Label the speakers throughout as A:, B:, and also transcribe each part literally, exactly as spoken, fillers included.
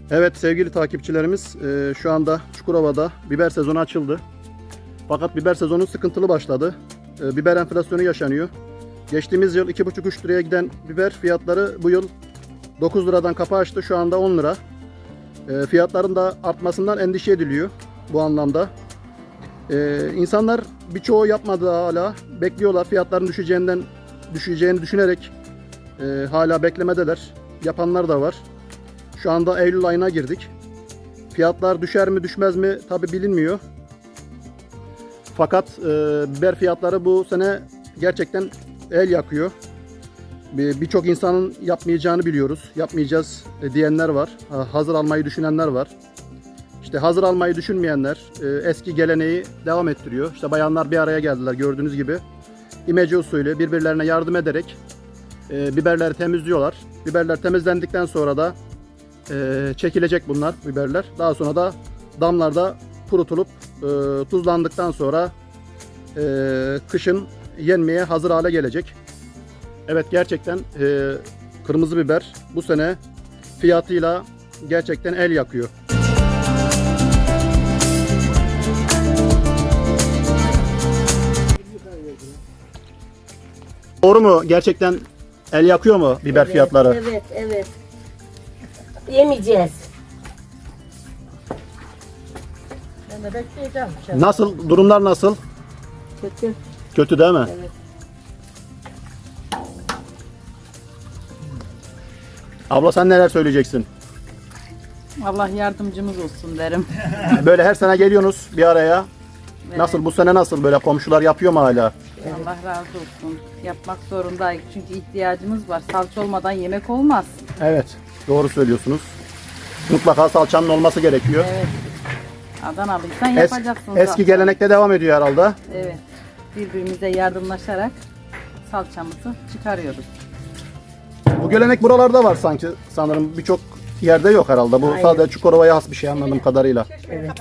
A: Evet sevgili takipçilerimiz, e, şu anda Çukurova'da biber sezonu açıldı. Fakat biber sezonu sıkıntılı başladı. E, biber enflasyonu yaşanıyor. Geçtiğimiz yıl iki buçuk üç liraya giden biber fiyatları bu yıl dokuz liradan kapı açtı. Şu anda on lira. E, fiyatların da artmasından endişe ediliyor bu anlamda. E, insanlar birçoğu yapmadı hala. Bekliyorlar. Fiyatların düşeceğinden düşeceğini düşünerek e, hala beklemedeler. Yapanlar da var. Şu anda Eylül ayına girdik. Fiyatlar düşer mi düşmez mi tabi bilinmiyor. Fakat e, biber fiyatları bu sene gerçekten el yakıyor. Birçok insanın yapmayacağını biliyoruz. Yapmayacağız diyenler var. Hazır almayı düşünenler var. İşte hazır almayı düşünmeyenler e, eski geleneği devam ettiriyor. İşte bayanlar bir araya geldiler gördüğünüz gibi. İmece usulü birbirlerine yardım ederek e, biberleri temizliyorlar. Biberler temizlendikten sonra da e, çekilecek bunlar biberler. Daha sonra da damlarda kurutulup e, tuzlandıktan sonra e, kışın yenmeye hazır hale gelecek. Evet gerçekten e, kırmızı biber bu sene fiyatıyla gerçekten el yakıyor. Doğru mu? Gerçekten el yakıyor mu biber
B: Evet,
A: fiyatları?
B: Evet, evet. Yemeyeceğiz. Ben de bekleyeceğim.
A: Nasıl? Durumlar nasıl?
B: Kötü.
A: Kötü değil mi?
B: Evet.
A: Abla sen neler söyleyeceksin?
C: Allah yardımcımız olsun derim.
A: Böyle her sene geliyorsunuz bir araya.
C: Evet.
A: Nasıl bu sene nasıl böyle komşular yapıyor mu hala?
C: Allah razı olsun. Yapmak zorundayız çünkü ihtiyacımız var. Salça olmadan yemek olmaz.
A: Evet, doğru söylüyorsunuz. Mutlaka salçanın olması gerekiyor.
C: Evet. Adanalıysan
A: Es-
C: yapacaksın.
A: eski
C: salça.
A: gelenekte devam ediyor herhalde.
C: Evet. Birbirimize yardımlaşarak salçamızı çıkarıyoruz.
A: Bu gelenek buralarda var sanki sanırım birçok yerde yok herhalde. Bu
B: Aynen.
A: sadece Çukurova'ya has bir şey anladığım kadarıyla.
B: Evet.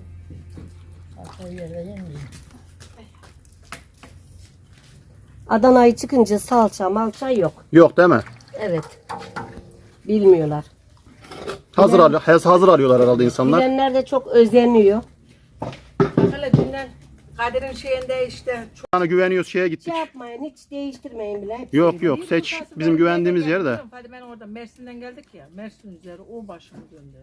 B: Adana'yı çıkınca salça malça yok.
A: Yok değil mi?
B: Evet. Bilmiyorlar.
A: Hazır al hazır alıyorlar herhalde insanlar.
B: Bilenler de çok özeniyor.
D: Hele dünden Kadir'in şeyinde işte
A: Yani güveniyoruz şeye gittik.
B: Şey yapmayın, hiç değiştirmeyin bile.
A: Yok yok seç bizim güvendiğimiz yerde.
D: Hadi ben orada Mersin'den geldik ya. Mersin üzeri o başımı döndü.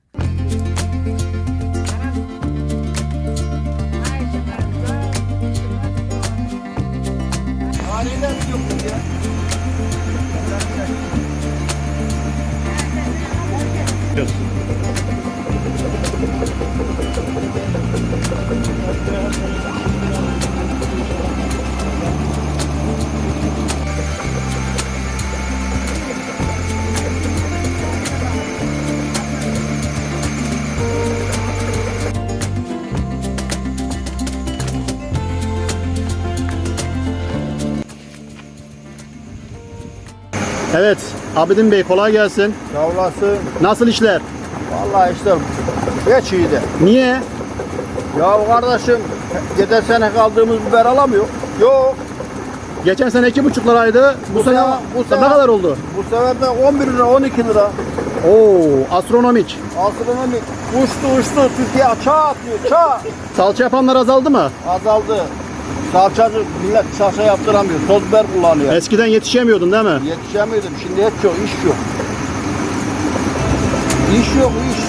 A: Evet Abidin Bey kolay gelsin.
E: Sağ olasın.
A: Nasıl işler?
E: Vallahi işte geç iyiydi.
A: Niye?
E: Ya kardeşim geçen sene kaldığımız biber alamıyor. Yok.
A: Geçen sene iki buçuk liraydı. Bu,
E: Bu
A: sene,
E: sene- bu
A: ne
E: sene-
A: kadar oldu?
E: Bu sefer de on bir lira on iki lira.
A: Oo astronomik.
E: Astronomik. Uçtu uçtu. Türkiye çağ atıyor çağ.
A: Salça yapanlar azaldı mı?
E: Azaldı. Salçacı millet salça yaptıramıyor. Toz biber kullanıyor.
A: Eskiden yetişemiyordun değil mi?
E: Yetişemiyordum. Şimdi hiç yok. iş yok. İş yok iş.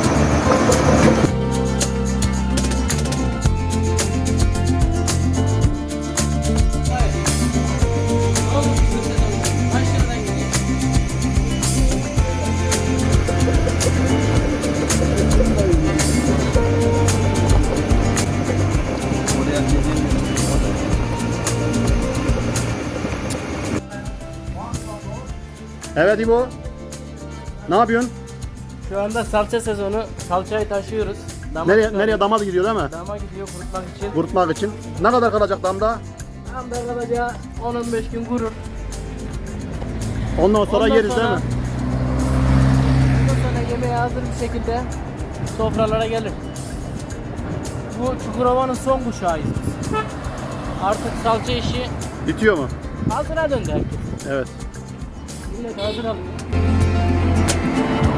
A: Evet İbo. Ne yapıyorsun?
F: Şu anda salça sezonu. Salçayı taşıyoruz. Dama
A: Nereye,
F: çıkarıyoruz.
A: nereye dama gidiyor değil mi?
F: Dama gidiyor kurutmak için.
A: Kurutmak için. Ne kadar kalacak damda?
F: Tam da kalacağı on on beş gün kurur.
A: Ondan sonra
F: Ondan
A: yeriz
F: sonra-
A: değil mi?
F: Ondan sonra yemeğe hazır bir şekilde sofralara gelir. Bu Çukurova'nın son kuşağıyız biz. Artık salça işi
A: Bitiyor mu?
F: hazıra döndü herkes.
A: Evet.
F: Millet hazır alıyor.